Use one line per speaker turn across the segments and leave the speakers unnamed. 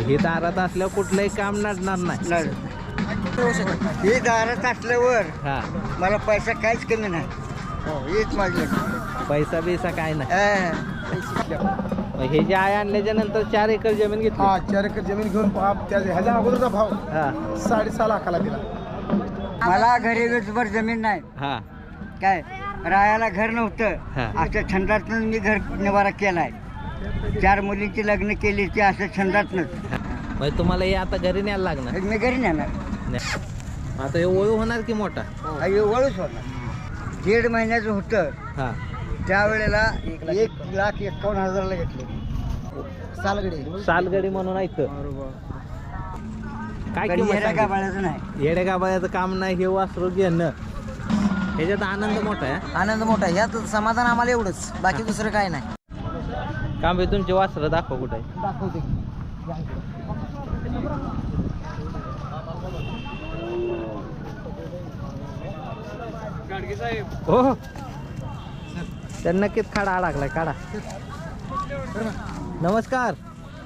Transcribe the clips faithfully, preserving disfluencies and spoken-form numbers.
हे दारात असल्यावर कुठलंही काम नडणार नाही.
हे दारात असल्यावर
हा
मला पैसा काहीच कमी नाही. हो हेच माझे
पैसा बिसा काय नाही.
हा.
मग हे जे आहे आणल्याच्या नंतर चार एकर जमीन घेतली.
हा चार एकर जमीन घेऊन बाप त्या ह्याच्या अगोदरचा भाव
हा
साडेसहा लाखाला दिला.
मला घरी रोजभर जमीन नाही.
हा
काय राहायला घर नव्हतं.
हा.
अशा छंदातून मी घर निवारा केलाय. चार मुलींची लग्न केली ती असं छंदातनच.
मग तुम्हाला हे आता घरी न्यायला लागणार.
मी घरी नेणार.
आता हे ओळू होणार की मोठा.
हे वळूच होणार. दीड महिन्याचं होतं
हा
त्यावेळेला एक लाख एकावन्न हजारला घेतले. सालगडी
सालगडी म्हणून ऐकतं. काय किंमत
येड्या
सांगितली?
गाभाळ्याचं नाही.
येडे गाबाळ्याचं काम नाही. हे वासरू घेणं ह्याच्यात आनंद मोठा आहे.
आनंद मोठा यात समाधान आम्हाला एवढंच. बाकी दुसरं काय नाही.
काम आहे तुमचे वासरं दाखव कुठे आहे.
दाखवते.
हो तर नक्कीच खाडा अडकलाय. काढा. नमस्कार.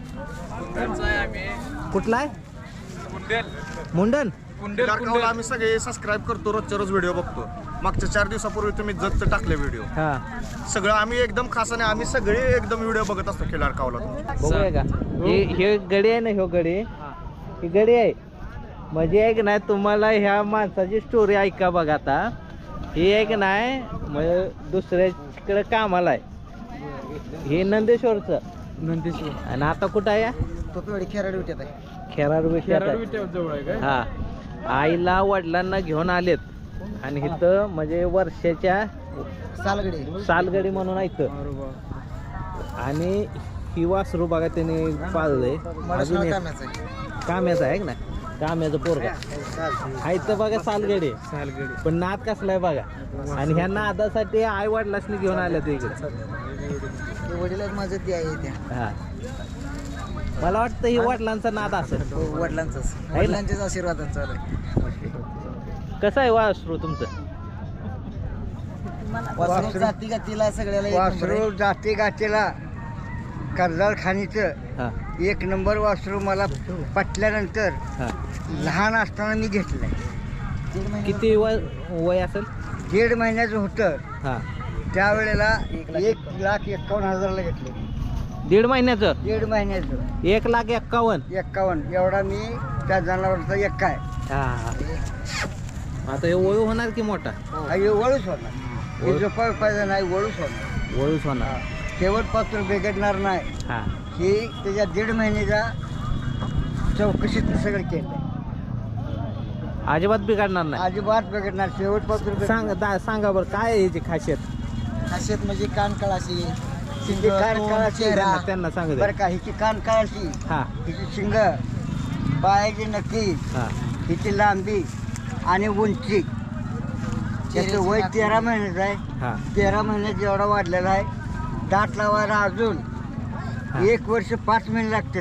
कुठला आहे. मुंडन.
आम्ही सगळे सबस्क्राईब करतो. रोजच्या रोज व्हिडिओ बघतो. मागच्या चार दिवसापूर्वी तुम्ही जतचं टाकले व्हिडिओ.
हा
सगळं आम्ही एकदम खासाने आम्ही सगळे एकदम व्हिडिओ बघत असतो. खिलार कावला
बघूया का. हे हे गडी आहे ना. ह्यो गडी ही गडी आहे. म्हणजे एक नाही तुम्हाला ह्या माणसाची स्टोरी ऐका बघा. आता हे एक नाही म्हणजे दुसऱ्याकडे कामाला आहे. हे नंदेश्वरचं.
नंदेश्वर
आणि आता कुठं आहे.
तोपेवाडी खेराड विट्यात आहे.
खेराड विट्यात. हा आईला वडिलांना घेऊन आलेत आणि इथं म्हणजे वर्षाच्या
सालगडी
सालगडी म्हणून ऐकतं. आणि ही वासरू बघा त्याने पाळलंय. अजून एक काम्याचं आहे ना. काम्याचं पोरगा हा इथं बघा. सालगडी सालगडी पण नाद कसलाय बघा. आणि ह्या नादासाठी आई वडिलांनी घेऊन आल्या ते इकडे.
वडील माझं ते आहे त्या.
हा मला वाटतं ही वडिलांचा नाद असेल.
वडिलांचाच वडिलांच्याच आशीर्वादात चालू आहे.
कसं आहे वासरू तुमचं.
वासरू जाती गातीला सगळ्याला वासरू जाती गातीला कर्जाळ खाणीचं
हा
एक नंबर वासरू मला पटल्यानंतर
हा
लहान असताना मी घेतलंय.
किती वय वय असेल.
दीड महिन्याचं होतं
हा
त्यावेळेला एक लाख एकावन्न हजारला घेतले.
दीड महिन्याचं.
दीड महिन्याचं
एक लाख एक्कावन्न.
एक्कावन्न एवढा मी त्या जनावरचा एक काय.
हा हा आता हे वळू होणार की मोठा.
हे वळूच होणार. हे झोपा पाहिजे नाही. वळूच होणार.
वळूच होणार.
शेवट पात्र बिघडणार नाही.
हा
ही त्याच्या दीड महिन्याच्या चौकशीत सगळं केलं.
अजिबात बिघडणार नाही.
अजिबात बिघडणार. शेवट पात्र
सांग दा- सांगा बरं काय आहे याची खासियत.
खासियत म्हणजे कान कळाशी कान कळाशी
त्यांना त्यांना सांग
बरं का. हिची कान कळाशी
हा
हिची शिंग पायाची नक्की
हा
हिची लांबी आणि उंची. त्याचं वय तेरा महिन्याचं आहे.
हा
तेरा महिन्यात एवढा वाढलेला आहे. दात लावायला अजून एक वर्ष पाच महिने लागते.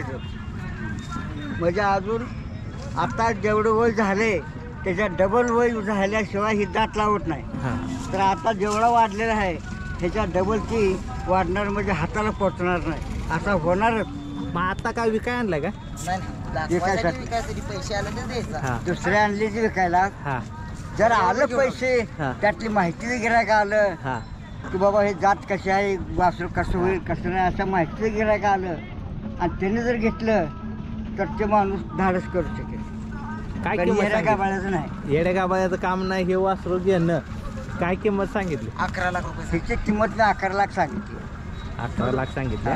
म्हणजे अजून आता जेवढं वय झाले त्याच्या डबल वय झाल्याशिवाय ही दात लावत नाही.
हा
तर आता जेवढा वाढलेला आहे ह्याच्या डबल ती वाढणार म्हणजे हाताला पोचणार नाही. असा होणारच.
मग आता काय विकाय आणलाय का.
विकायसाठी पैसे आले तर द्यायचा.
हा
दुसऱ्या आणली ती विकायला.
हा
जर आलं पैसे
हा.
त्यातली माहिती गिरायक आलं
हा
की बाबा हे जात कशी आहे वासरू कसं होईल कसं नाही असं माहिती गिरायक आलं आणि त्याने जर घेतलं तर ते माणूस धाडस करू शकेल.
काय
पण
किंमत
येड्या
सांगितली?
गाभाळ्याचं नाही.
येड्या गाबाळ्याचं काम नाही. हे वासरू घेणं काय किंमत सांगितली.
अकरा लाख रुपये हिची किंमत मी अकरा लाख सांगितली.
अकरा लाख सांगितले.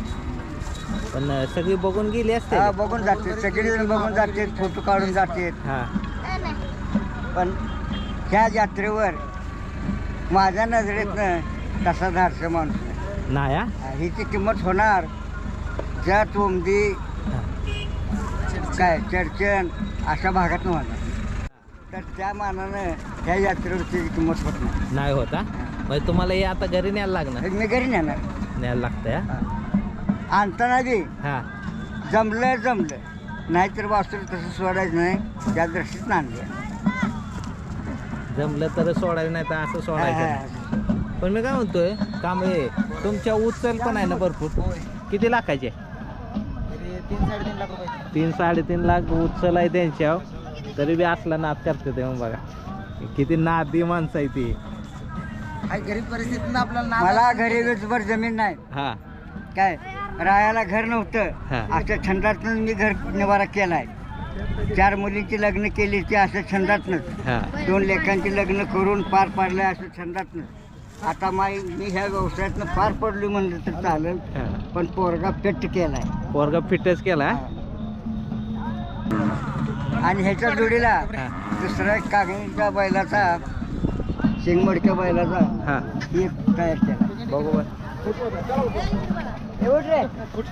पण सगळी बघून गेली असते.
हा बघून जाते. सगळेजण बघून जाते. फोटो काढून जाते.
हा
पण ह्या यात्रेवर माझ्या नजरेतनं तसा धाडसा माणूस नाही.
नाही हा?
हिची किंमत होणार ज्या तोंबी काय चर्चन अशा भागात होणार. तर त्या मानानं ह्या यात्रेवर त्याची किंमत होत नाही.
नाही होता. म्हणजे तुम्हाला हे आता घरी न्यायला लागणार.
मी घरी नेणार.
न्यायला लागतंय. हा?
आणताना बी
हा
जमलं जमलं नाहीतर वासरू तसं सोडायचं नाही. त्या दृष्टीत आणलं.
जमलं तर सोडायचं नाही तर असं सोडायचं नाही. पण मी काय म्हणतोय काम हे तुमच्या उचल पण आहे ना भरपूर. किती लाखाचे.
तीन साडेतीन लाख रुपये
तीन साडेतीन लाख उचल आहे त्यांच्यावर, तरी बी असला नाद करते ते. मग बघा किती नादी माणसं आहे ती.
गरीब परिस्थितीत आपल्याला मला घरी वीसभर जमीन नाही.
हा
काय राहायला घर नव्हतं.
हा.
अशा छंदातून मी घर निवारा केलाय. चार मुलींची लग्न केली ती असं छंदातनंच.
हा
दोन लेखांची लग्न करून पार पाडलंय असं छंदातनंच. आता माई मी ह्या व्यवसायातनं पार पडली म्हणलं तर चालेल,
हा.
पण पोरगा पेट केलाय.
पोरगा फिटच केला.
आणि ह्याच्या जोडीला
हा.
दुसरा एक कागणीच्या बैलाचा शेंगमडक्या बैलाचा
हा
एक तयार केला.
बरोबर.
एवढ रे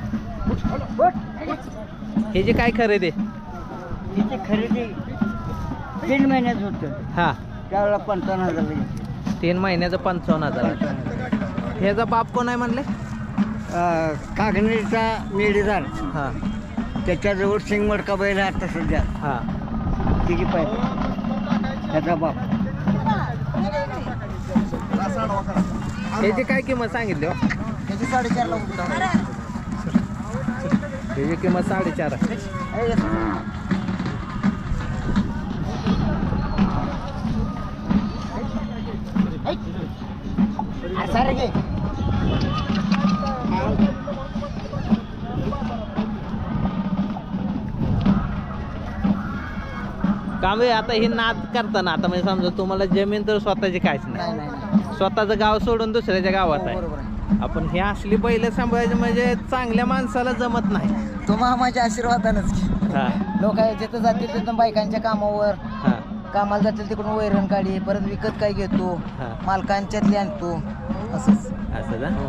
हे जे काय खरेदी
तिची खरेदी तीन महिन्यात होतं.
हा
त्यावेळेला पंचावन्न हजार घेतली.
तीन महिन्याचं पंचावन्न हजार. ह्याचा बाप कोण आहे म्हणले?
कागणीचा मेडीदार,
हा
त्याच्याजवळ शेंगमडका बैल आहे आता सध्या.
हा
तिची पाहिजे त्याचा बाप.
ह्याची काय किंमत सांगितली हो?
त्याची साडेचार लाख.
ह्याची किंमत साडेचार आहे.
सारे घे.
काम आहे आता हे नाद करताना. आता म्हणजे समजा तुम्हाला जमीन तर स्वतःची काहीच
नाही
नाही,
नाही
स्वतःचं गाव सोडून दुसऱ्याच्या गावात आहे.
बरोबर आहे.
आपण हे असली बैल सांभाळायचं म्हणजे चांगल्या माणसाला जमत नाही.
तो मामाच्या आशीर्वादानच
हा
लोक जिथं जातील तिथं बायकांच्या कामावर
हा
कामाला जातील तिकडून वैरण काढी परत विकत काय घेतो,
हा.
मालकांच्यातली आणतो. असंच
असं का?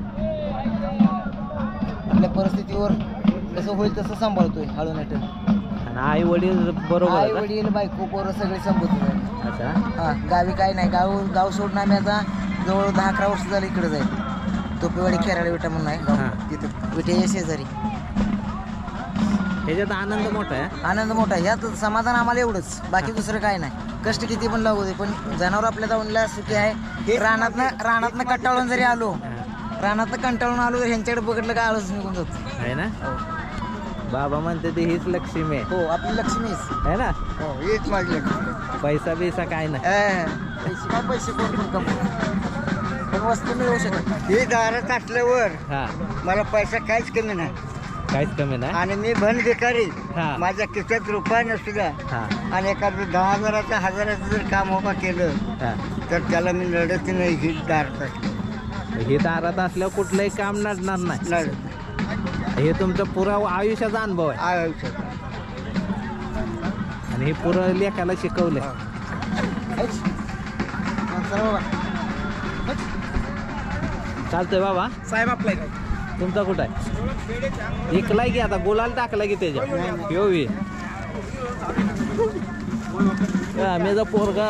आपल्या परिस्थितीवर कसं होईल तसं सांभाळतोय हळू नाटक.
आणि आई वडील बरोबर
आई
आहे का?
वडील बायको पोरं सगळे सांभाळतो.
अच्छा
हा गावी काय नाही. गाव गाव सोडून आम्ही आता जवळ दहा अकरा वर्ष झालं इकडे जाईल. तोपेवाडी खेराळी विटा म्हणून आहे
हा.
गाव. तिथं विटेच्या शेजारी.
ह्याच्यात आनंद मोठा आहे.
आनंद मोठा आहे. ह्यात समाधान आम्हाला एवढंच, बाकी दुसरं काय नाही. कष्ट किती पण लागू दे, पण जनावर आपल्या जाऊनला सुखी आहे. रानातनं रानातनं कंटाळून जरी आलो रानातनं कंटाळून आलो तर ह्यांच्याकडे बघितलं काय आळस निघून जातो.
आहे ना? बाबा म्हणते ते हीच लक्ष्मी आहे.
हो आपली लक्ष्मीच
है ना?
हो हीच माझी लक्ष्मी.
पैसा बिसा काय नाही.
पैसे काय पैसे कोण पण कमवू पण वस्तू मिळवू शकत नाही. ही दारात असल्यावर
हा
मला पैसा काहीच कमी नाही.
काहीच कमी नाही.
आणि मी भन भिकारी.
हा.
माझ्या खिशात रुपया नसू द्या
हा
आणि एखादं दहा हजाराचं हजाराचं जर काम उभा केलं
हा
तर त्याला मी लढत नाही. ही दारात असली
हे दारात असल्यावर कुठलंही काम नडणार नाही.
लढत
हे तुमचा पुरा आयुष्याचा अनुभव आहे.
आयुष्यात.
आणि हे पुरं लेखाला शिकवलंय. चालतंय बाबा.
साहेब आपला
तुमचा कुठं आहे? इकलाय की आता गुलाल टाकला की त्याच्या योवी मेजा पोरगा.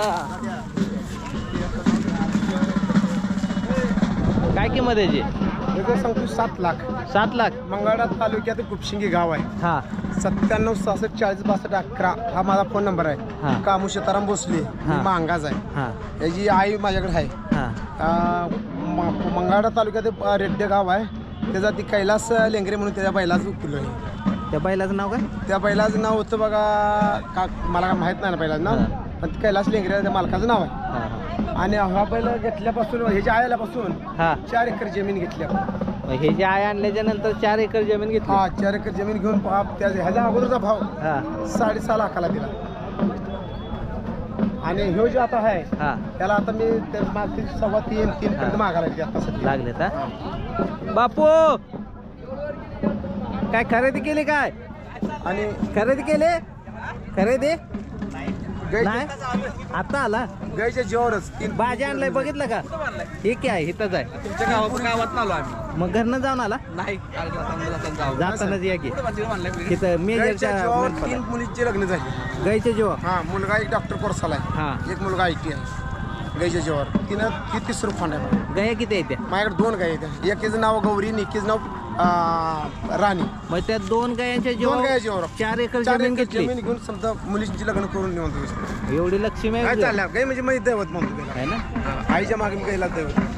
काय किंमत याची?
सांगतो सात लाख.
सात लाख.
मंगळा तालुक्यात गुपशिंगी गाव आहे.
हा
सत्त्याण्णव सहासष्ट चाळीस बासष्ट अकरा हा माझा फोन नंबर आहे.
हा.
कामू सीताराम भोसले.
हा.
मांगाच आहे.
हा
याची आई माझ्याकडे आहे.
हा
मंगळा तालुक्यात रेड्डे गाव आहे. त्याचा ती कैलास लेंगरे म्हणून त्याच्या बैलाचं उपकुल आहे.
त्या बैलाचं नाव काय?
त्या बैलाचं नाव होतं बघा का मला काय माहीत नाही ना बैलाचं नाव, पण ते कैलास लेंगरे त्या मालकाचं नाव आहे.
हा हा
आणि हा बैल घेतल्यापासून ह्याच्या आल्यापासून
हा
चार एकर जमीन घेतली आपण.
मग हे जे आहे आणल्याच्या नंतर चार एकर जमीन घेतली.
हा चार एकर जमीन घेऊन पहा त्या ह्याच्या अगोदरचा भाव
हा
साडेसहा लाखाला दिला. आणि ह्यो जे आता आहे
हा
त्याला आता मी ते मागचे सव्वा तीन तीन पर्यंत मागायला लागते आता सध्या.
लागले का बापू? काय खरेदी केली काय?
आणि
खरेदी केली? खरेदी
गाईच्या
नाही आता आला.
गाईच्या जीवावरच तीन
भाजी आणलाय बघितलं का? हे काय इथंच आहे.
तुमच्या गावात गावात आलो आम्ही.
मग घरनं जाऊन आला?
नाही
जातानाच या की तिथं
गाईच्या
मेजरच्या
जीवावर तीन मुलींची लग्न झाली.
गाईच्या जेव्हा
हा मुलगा एक डॉक्टर कोर्साला आहे.
हा
एक मुलगा आय टी आहे. गाईच्या जीवावर तिनं ती तिसरं खोंड आहे.
गाया किती आहेत त्या?
माझ्याकडे दोन गाई आहेत. एकीचं नाव गौरी आणि एकीचं नाव अं, राणी.
मग त्या दोन गायांच्या
दोन गाया
जेव्हा
जीवावर
चार एकर
चार
जमीन
एकर
घेतली.
जमीन घेऊन समजा मुलींची लग्न करून निवंत.
एवढी लक्ष्मी
काय
आहे
चाललं गाई म्हणजे माझी दैवत म्हणतो त्याला.
है ना?
आईच्या मागे मी गाईला दैवत.